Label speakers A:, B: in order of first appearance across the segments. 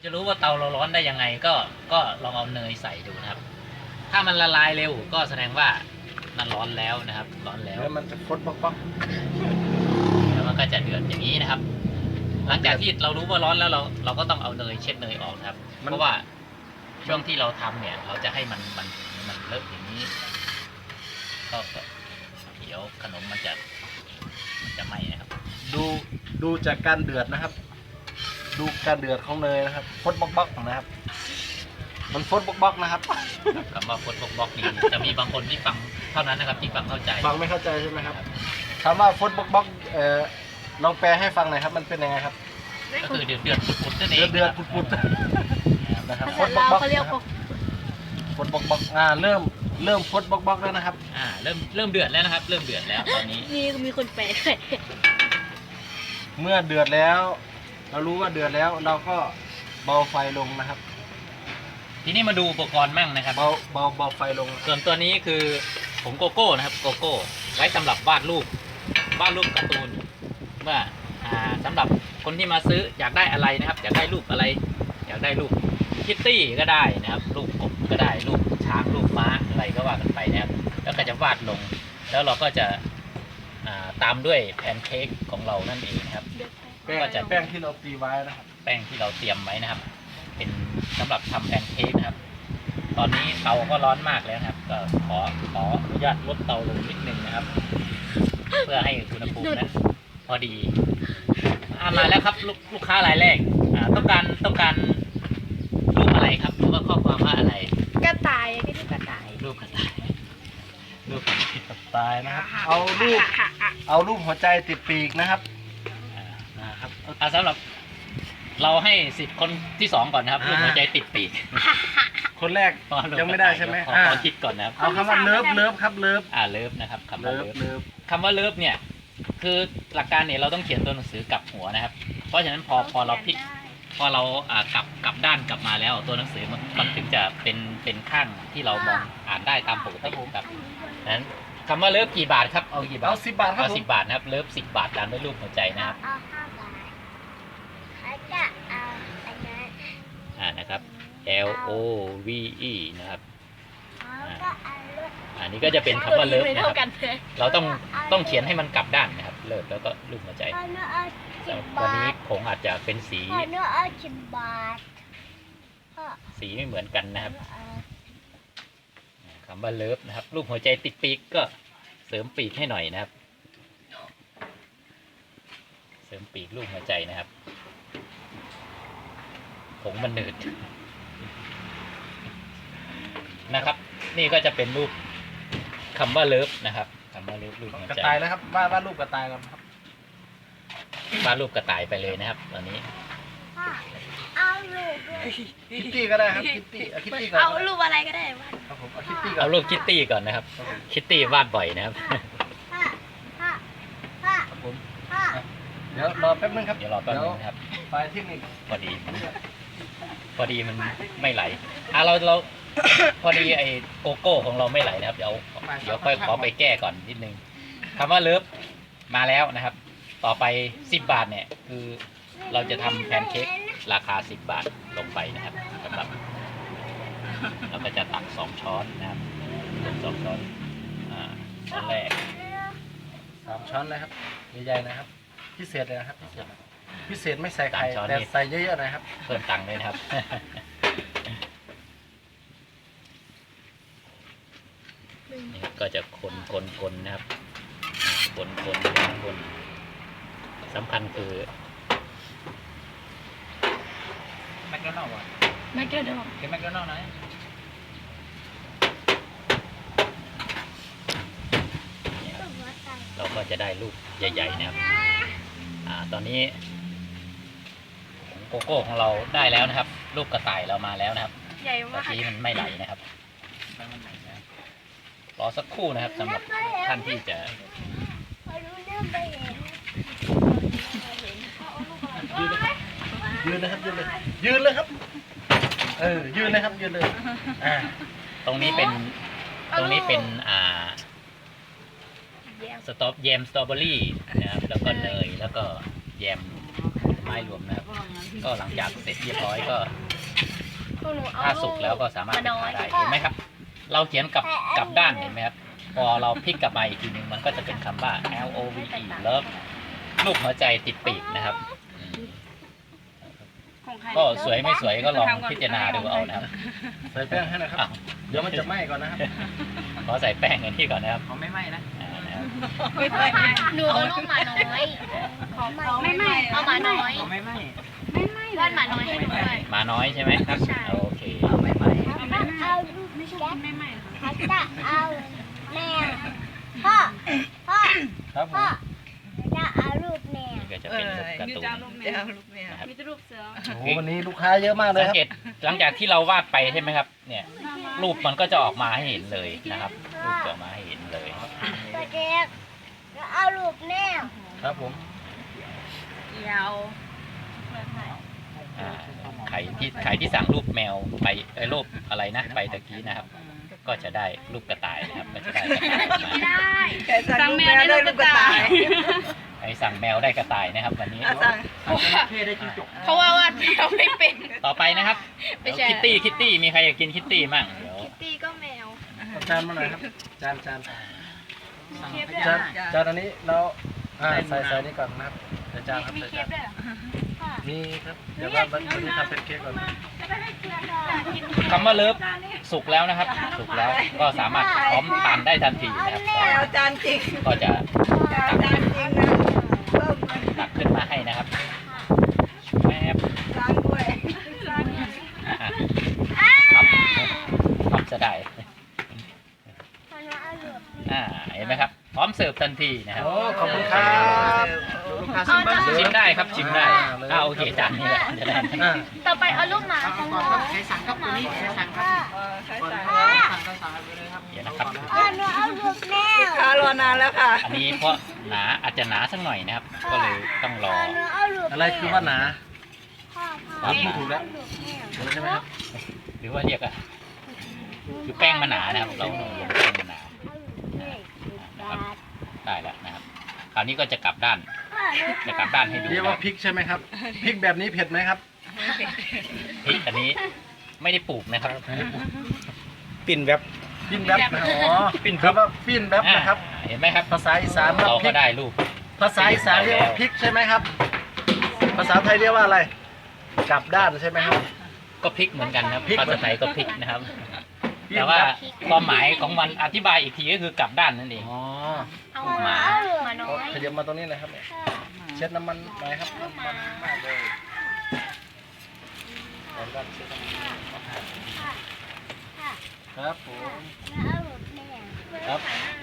A: จะรู้ว่าเตาเราร้อนได้ยังไงก็ลองเอาเนยใส่ดูนะครับถ้ามันละลายเร็วก็แสดงว่ามันร้อนแล้วนะครับร้อนแล้ว
B: แล้วมันจะฟดป๊อก
A: แล้วมันก็จะเดือดอย่างนี้นะครับ หลังจากที่เรารู้ว่าร้อนแล้วเราก็ต้องเอาเนยเช็ดเนยออกครับเพราะว่าช่วงที่เราทำเนี่ยเราจะให้มันเลอะอย่างนี้ก็เดี๋ยวขนมมันจะไหม้นะครับ
B: ดูจากการเดือดนะครับ ดูการเดือดของเนยนะครับฟดป๊อกนะครับมันฟดป๊อกนะครับ
A: คำว่าฟดบล็อกนี่จะมีบางคนที่ฟังเท่านั้นนะครับที่ฟังเข้าใจ
B: ฟังไม่เข้าใจใช่ไหมครับคำว่าฟดป๊อกลองแปลให้ฟังหน่อยครับมันเป็นยังไงครับ
A: ก็คือเดือดปุดๆนั่นเอง
B: เดือดปุดนะครับฟดป๊อกเขาเรียกฟดป๊อกเริ่มฟดป๊อกแล้วนะครับ
A: เริ่มเดือดแล้วนะครับเริ่มเดือดแล้วตอนนี้
C: มีคนแปลด้วย
B: เมื่อเดือดแล้วเรารู้ว่าเดือดแล้วเราก็เบาไฟลงนะครับ
A: ทีนี้มาดูอุปกรณ์มั่งนะครับ
B: เบาไฟลง
A: ส่วนตัวนี้คือผงโกโก้นะครับโกโก้ไว้สำหรับวาดรูปการ์ตูนเมื่อสำหรับคนที่มาซื้ออยากได้อะไรนะครับอยากได้รูปอะไรอยากได้รูปคิตตี้ก็ได้นะครับรูปกบก็ได้รูปช้างรูปม้าอะไรก็ว่ากันไปนะครับแล้วก็จะวาดลงแล้วเราก็จะตามด้วยแพนเค้กของเรานั่นเองนะครับ
B: ก็จะแป้งที่เราตีไว้นะครับ
A: แป้งที่เราเตรียมไว้นะครับเป็นสำหรับทำแพนเค้กนะครับตอนนี้เตาก็ร้อนมากแล้วนะครับก็ขออนุญาตลดเตาลงนิดนึงนะครับเพื่อให้อุณหภูมินั้นพอดีมาแล้วครับลูกค้ารายแรกต้องการรูปอะไรครับหรือว่าข้อความว่าอะไร
C: กระต่ายก็ที่กระต่าย
A: รูปกระต่าย
B: นะครับเอารูปหัวใจติดปีกนะครับ
A: สำหรับเราให้10คนที่2ก่อนนะครับรูปหัวใจติดปีก
B: คนแรกยังไม่ได้ใช่ไหม
A: ขอคิดก่อนนะครับ
B: เอาคำว่าเลิฟครับเลิฟ
A: เลิฟนะครับคำว่าเลิฟเนี่ยคือหลักการเนี่ยเราต้องเขียนตัวหนังสือกลับหัวนะครับเพราะฉะนั้นพอเราพลิกพอเรากลับด้านกลับมาแล้วตัวหนังสือมันถึงจะเป็นข้างที่เรามองอ่านได้ตามปกติครับนั้นคำว่าเลิฟกี่บาทครับเอากี่บาท
B: เอา10 บาทครับ
A: เอา10 บาทนะครับเลิฟ10 บาทตามด้วยรูปหัวใจนะครับ
C: เอา5 บาทเขาจะเอาอันนั้น
A: นะครับ L O V E นะครับอันนี้ก็จะเป็นคำว่าเลิฟนะครับเราต้องเขียนให้มันกลับด้านนะครับเลิฟแล้วก็รูปหัวใจวันนี้ผงอาจจะเป็นสีสีไม่เหมือนกันนะครับคำว่าเลิฟนะครับรูปหัวใจติดปีกก็เสริมปีกให้หน่อยนะครับเสริมปีกรูปหัวใจนะครับผงมันหนืดนะครับนี่ก็จะเป็นรูปคำว่าเลิฟนะครับคำว่าเลิฟรูปหัวใจ
B: กระต่ายนะครับวาดรูปกระต่ายครับ
A: วาดรูปกระต่ายไปเลยนะครับตอนนี้
C: เอารูป
B: คิตตี้ก็ได้ครับคิตตี้ก่อน
C: เอารูปอะไรก็ได้
B: ครับผมเอาคิตตี้ก่อน
A: เอารูปคิตตี้ก่อนนะครับคิตตี้วาดบ่อยนะครับ
B: ครับผมเดี๋ยวรอแป๊บนึงครับ
A: เดี๋ยวรอแป๊บนึงครับ
B: ไฟเทคนิค
A: พอดีมันไม่ไหลเราพอดีไอ้โกโก้ของเราไม่ไหลนะครับเดี๋ยวค่อยขอไปแก้ก่อนนิดนึงคำว่าเลิฟมาแล้วนะครับต่อไป10 บาทเนี่ยคือเราจะทำแพนเค้กราคา10 บาทลงไปนะครับสำหรับเราก็จะตัก2 ช้อนนะครับ2 ช้อนช้อนแรก
B: 3 ช้อนเลยครับใหญ่ๆนะครับพิเศษเลยนะครับพิเศษไม่ใส่ไข่แต่ใส่เยอะๆนะครับ
A: เพิ่มตังค์เลยนะครับนี่ก็จะคนนะครับคนสำคัญคือแมคโดนัลด์
C: แมคโดนัลด์
A: เป็นแมคโดนัลด์ไหนเราก็จะได้ลูกใหญ่ๆนะครับตอนนี้โกโก้ของเราได้แล้วนะครับลูกกระต่ายเรามาแล้วนะครับ
C: ใหญ่มาก
A: ทีมันไม่ไหลนะครับรอสักครู่นะครับสำหรับท่านที่จะ
B: ยืนเลยครับยืนเลยครับยืนเลยครับยืนเลย
A: ตรงนี้เป็นแยมสตรอเบอรี่นะครับแล้วก็เนยแล้วก็แยมผลไม้ม้รวมนะครับ ก็หลังจากเสร็จเรียบร้อยก็
C: พวกหนูเอา
A: ถ้าสุกแล้วก็สามารถไปขายได้เห็นไหมครับ เราเขียนกลับด้านเห็นไหมครับ พอเราพลิกกลับมาอีกทีนึงมันก็จะเป็นคำว่า LOVE Love รูปหัวใจติดปีกนะครับ ก็สวยไม่สวยก็ลองพิจารณาดูเอานะครับ
B: ใส่แป้งให้นะครับ
A: อ้าว
B: เดี๋ยวมันจะไหม้ก่อนนะครับ
A: ขอใส่แป้งกันที่ก่อนนะครับ
D: เขาไม่ไหม้นะ
A: นะครับ
C: หนูเอาลูกหมาน้อยไม่เอาหมาน้อย
D: เขาไม่ไหม้
C: วาดหมาน้อยให้หนูด้วย
A: มาน้อยใช่ไหมครับ
C: ใช่
A: โอเค
D: เขาไม่ไหม้
C: เอาลูกไม่ใช่ไม่เขาจะเอาแมวพ่อ
B: ครับผม
C: จะเอาลูกแมว
A: นี่ก็จะเป็นรูปการ์ตูนนะครับ
C: มีแต่รูปเสือ
B: โอ้โหวันนี้ลูกค้าเยอะมากเลย
A: สัง
B: ครับ
A: เกตหลังจากที่เราวาดไปใช่ไหมครับ เนี่ยรูปมันก็จะออกมาให้เห็นเลยนะครับ รูปจะออกมาให้เห็นเลย
C: ตัวเด็กจะเอาลูกแมว
B: ครับผม
C: ยาว
A: อ่าใครที่สั่งรูปแมวไปรูปอะไรนะไปตะกี้นะครับ ก็จะได้รูปกระต่ายนะครับก็จะได้กระต่ายมา
C: ไม่ได้
E: สั่งแมวได้ลูกกระต่าย
A: ใครสั่งแมวได้กระต่ายนะครับวันนี้
E: สั่ง
D: เท่ได้จิ้งจก
E: เพราะว่าวาดแมวไม่เป็น
A: ต่อไปนะครับ
E: ไม่ใช่
A: คิตตี้มีใครอยากกินคิตตี้มั่งเดี๋ยว
C: ตีก็แมว
B: เอาจานมาหน่อยครับ จาน
C: เชฟด้วย
B: จานอันนี้เราใส่นี่ก่อนนะครับใส่จานครับ
C: มี
B: ใส่
C: เช
B: จา
C: ฟ
B: น
C: ด้วยเหรอ
B: มีครับ เดี๋ยวว่าวันนี้ทำเป็นเค้กก่อนนะ
A: คำว่าเลิฟสุกแล้วนะครับ สุกแล้วก็สามารถพร้อมทานได้ทันทีนะครับ
E: แมวจานจริง
A: ก็จะ
E: จานจริงนะเพิ่มมัน
A: ตักขึ้นมาให้นะครับแม่บ
E: จานด้วย
A: อ่ะครับจะได้ เห็นไหมครับ พร้อมเสิร์ฟทันทีนะครับ
B: โอ้ขอบคุณครับ
D: ลูกค้าชิมบ้าง
A: ชิมได้ครับชิมได้โอเคจานนี้แหละจะได้
B: อ่า
C: ต่อไปเอาลูกหมาของหนู
D: ใครสั่งครับตัวนี้ใครสั่งครับ
E: ใช่
D: ก่อน
E: ใช่
D: สั่งก็สั่งไปเลยครับ
A: เดี๋ยวนะครับ
C: หนูเอาลูกแมว
E: ค้ารอนานแล้วค่ะ
A: อันนี้เพราะหนาอาจจะหนาสักหน่อยนะครับ ก็เลยต้องรอ
C: หนูเอาลูก
B: อะไรคือว่าหนา
C: พ่อ
B: พูดถูกแล้ว ถูกแล้วใช่ไหมครับ
A: หรือว่าเรียกอะคือแป้งมันหนานะครับ เราลงแป้งมันหนานะครับได้แล้วนะครับ คราวนี้ก็จะกลับด้าน จะกลับด้านให้ดู
B: เรียกว่าพริกใช่ไหมครับ พริกแบบนี้เผ็ดไหมครับ
A: พริกอันนี้ไม่ได้ปลูกนะครับ
B: ปิ้นแบบปิ้นแบบนะอ๋อปิ้นครับว่าปิ้นแบบนะครับ
A: เห็นไหมครับ
B: ภาษาอีสานครับ
A: เรา
B: พริ
A: ก็
B: ก
A: ได้รูป
B: ภาษาอีสานเรียกว่าพริกใช่ไหมครับ ภาษาไทยเรียกว่าอะไร กลับด้านใช่ไหมครับ
A: ก็พริกเหมือนกันนะครับ
B: พริก
A: ภาษาไทยก็พริกนะครับ
B: พริก
A: แต่ว่าความหมายของมันอธิบายอีกทีก็คือกลับด้านนั่นเอง
B: อ๋อ
C: เอาหมาเอาลูกหมาน้อย
B: ขยับมาตรงนี้เลยครับเนี่ยเช็ดน้ำมันหน่อยครับน้ำมันมากเลยเอาด้านเช็ดน้ำมันครับผม
C: เอาลูกแมว
B: ครับ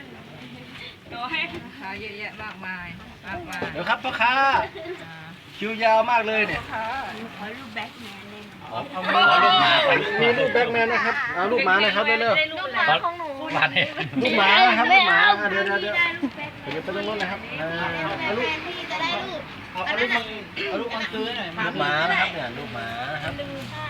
E: ค้าเยอะแยะมากมายมากมาย
B: เดี๋ยวครับพ่อค้าคิวยาวมากเลยเนี่ย
E: ค้า
C: ขอลูกแบ็คแมนเลย
A: ขอลูกหมาไป
B: มีลูกแบ็กแมนนะครับเอาลูกหมาหน่อยครับเร็ว
C: ลูกหมาของหนู
A: มาเนี่ย
B: ๆลูกหมานะครับลูกหมาเดี๋ยว
C: ได้ลูกแบ็ค
B: เดี๋ยวไปตรงนู้นนะครับเอาลูก
C: พี่จะได้ลูก
D: เอาลูกมังซื้อหน่อย
B: ลูกหมานะครับเนี่ยลูกหมานะครับ
C: ดูค่ะ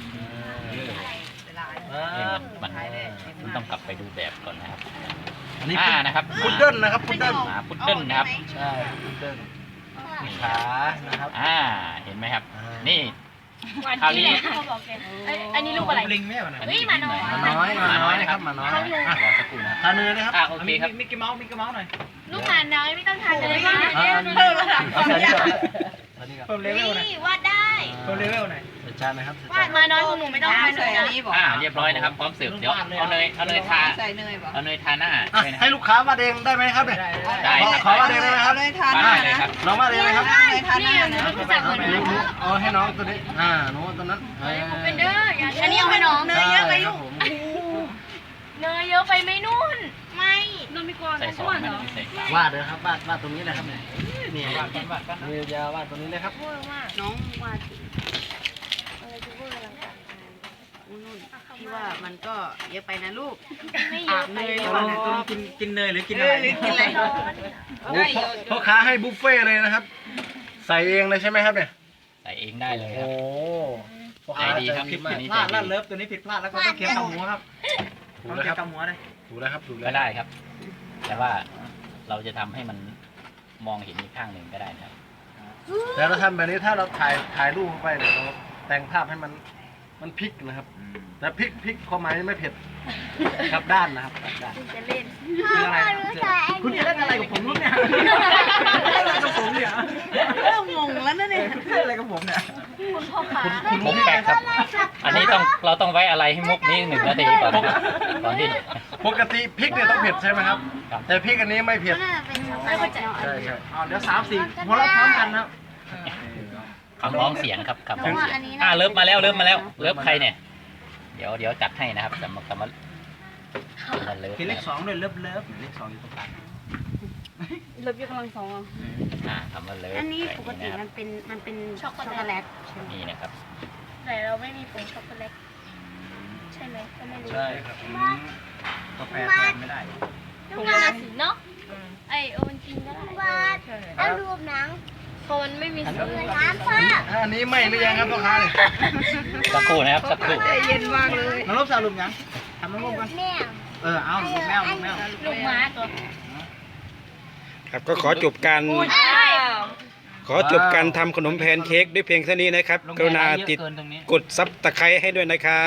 A: นี่มันต้องกลับไปดูแบบก่อนนะครับ
B: อันนี้
A: นะครับ
B: พุดเดิ้ลนะครับพุดเดิ้ล
A: หมาพุดเดิ้ลนะครับ
B: ใช่พุดเดิ้ลขานะครับ
A: เห็นไหมครับ
B: อ่า
A: นี่คราวนี้
C: อันนี้ลูกอะไร
D: ลิงไม่เอาหน่อย
C: เฮ้ยหมาน้อย
B: หมาน้อยนะครับหมาน้อย
A: รอสักครู่นะ
B: ทานเนยนะครับ
A: โอเคครับ
D: มิกกี้เมาส์หน่อย
C: ลูกหมาน้อยไม่ต้องทานเลยค่ะ
E: เพิ่มระดับ
B: เอาใส่นี่ก่อนใส่นี่ก่อน
D: เพิ่มเลเวลหน่อย
C: นี่วาดได้
D: เพิ่มเลเวลหน่อย
B: ใส่จานนะครับ
C: วาดหมาน้อยของหนูไม่ต้องทาน
E: ใส่
C: เลย
E: อัน
C: นะ
E: นี้บอก
A: เรียบร้อยนะครับ พร้อมเสิร์ฟเดี๋ยวเอาเนยทา
E: ใส่เนยบอก
A: เอาเนยทาหน้า
B: อ่ะ
A: ด้วยนะ
B: ให้ลูกค้าวาดเองได้ไหมครับเนี่ย
A: ได้
B: ขอวาดเองได้ไหมครับ
E: เนยทาน
A: ทา
E: ห
A: ห
E: น้า
A: น้าเลย
E: นะครับ
B: น้องวาดเองนะครับ
E: เนยทานหน้านะ
C: รู้จักเหมือน
B: หนูเอาให้น้องตัวนี้หนูตัวนั้น
C: เป็นเด้ออันนี้เอาไปน้อง
E: เนยเยอะไปลูก
C: เนยเยอะไปไหมนุ่น ไม่นุ่นไม่กลัว
A: ใส่ซอสมันไม่ใส่สาร
B: วาดเลยครับวาดตรงนี้เลยครับเนี่ยนี่วาดมือยาววาดตรงนี้เลยครับ
C: พูดมาก
E: น้องวาด
C: อะไรจะพูดกำลังการ
E: นุ่นพี่ว่ามันก็เยอะไปนะลูก
C: ไม่เยอะไป
E: เนย
C: เล
E: ดี
C: ย
E: กว่านะ
D: ตัวกินเนยหรือกินอะไร
E: กินอะไร
B: โอ้พ่อค้าให้บุฟเฟ่ต์เลยนะครับ ใส่เองเลยใช่ไหมครับเนี่ย
A: ใส่เองได้เลยค
B: โอ้
A: รับ
B: พ่อค้า
A: ใจดีครับ
B: ใจมาก
D: พลาดแล้วเลิฟตัวนี้ผิดพลาดแล้วก็ต้องเคี่ยวกับหมูครับ
B: ถูก
D: ต้อง
B: แล้ว
D: เคี่
B: ค
D: ย
B: รับ
D: วกับหมูเลย
B: ถูกแล้วครับถูกแล้ว
A: ก็ได้ครับ แต่ว่าเราจะทำให้มันมองเห็นอีกข้างหนึ่งก็ได้นะครับ
B: แต่เราทำแบบนี้ถ้าเราถ่ายรูปเข้าไปเนี่ยเราแต่งภาพให้มันพลิกนะครับ แต่พลิกความหมายไม่เผ็ดกลับด้านนะครับกลับด้าน
C: จะเล่น
D: คืออะไร
C: พ่อรู้จัก
D: คุณจะเล่นอะไรกับผมเนี่ยเล่นอะไรกับผมเนี่ย
E: เริ่มงงแล้วนะเนี่ย
D: คุณเล่นอะไรกับผมเนี่ย
C: คุณพ่อขา
A: คุณมุกแปลกครับ อันนี้เราต้องไว้อะไรให้มุกนี้1 นาทีก่อนนะครับก่อนที่
B: ปกติพริกเนี่ยต้องเผ็ดใช่ไหมครับ
A: ครับ
B: แต่พริกอันนี้ไม่เผ็ด
C: น่าจะเป็นช็อกโกแลต
B: ใช่ใช่
D: อ๋อเดี๋ยว3 4หัวเราะพร้อมกันนะครับ
A: คำร้องเสียงครับคำร้องเสียงเริ่มมาแล้วเริ่มใครเนี่ยเดี๋ยวจัดให้นะครับสำหรับเลิฟ
D: ทีเล
A: นะ
D: ข
A: ครับ
D: 2ด้วยเลิฟเลข2อยู่ตรงกลาง
E: ลบยกกำลังสอง
A: คำว่าเลิฟ
E: อันนี้ปกติ
A: นะค
E: มั
A: รับ
E: นเป็นช็อกโกแลตใช่ไหม
A: นี่นะครับ
C: แต่เราไม่มีผงช็อกโกแลตใช่ไหมก็ไม่รู้
B: ใช่ครับ
D: กาแฟแทนไม่ได้
C: ผงกระสีเนาะไอโอวันจริงก็ได้เอารูปหนังพอมันไม่มีสีน้ำพ่อ
B: อันนี้ไม่หรือยังครับพ่อค้าเนี่ย
A: สักครู่นะครับสักครู่
E: ใจเย็นมากเลย
D: น้องรบสาวลุมยังทำน้องรบกัน
C: แม่
D: เอาลูกแมว
C: ลูกม้าตัว
F: ครับก็ขอจบการทำขนมแพนเค้กด้วยเพียงเท่านี้นะครับ กรุณาติดกดซับตะไคร้ให้ด้วยนะครับ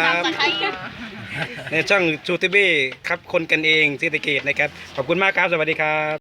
F: ในช่องชูทีวีครับคนกันเองศรีสะเกษนะครับ ขอบคุณมากครับ สวัสดีครับ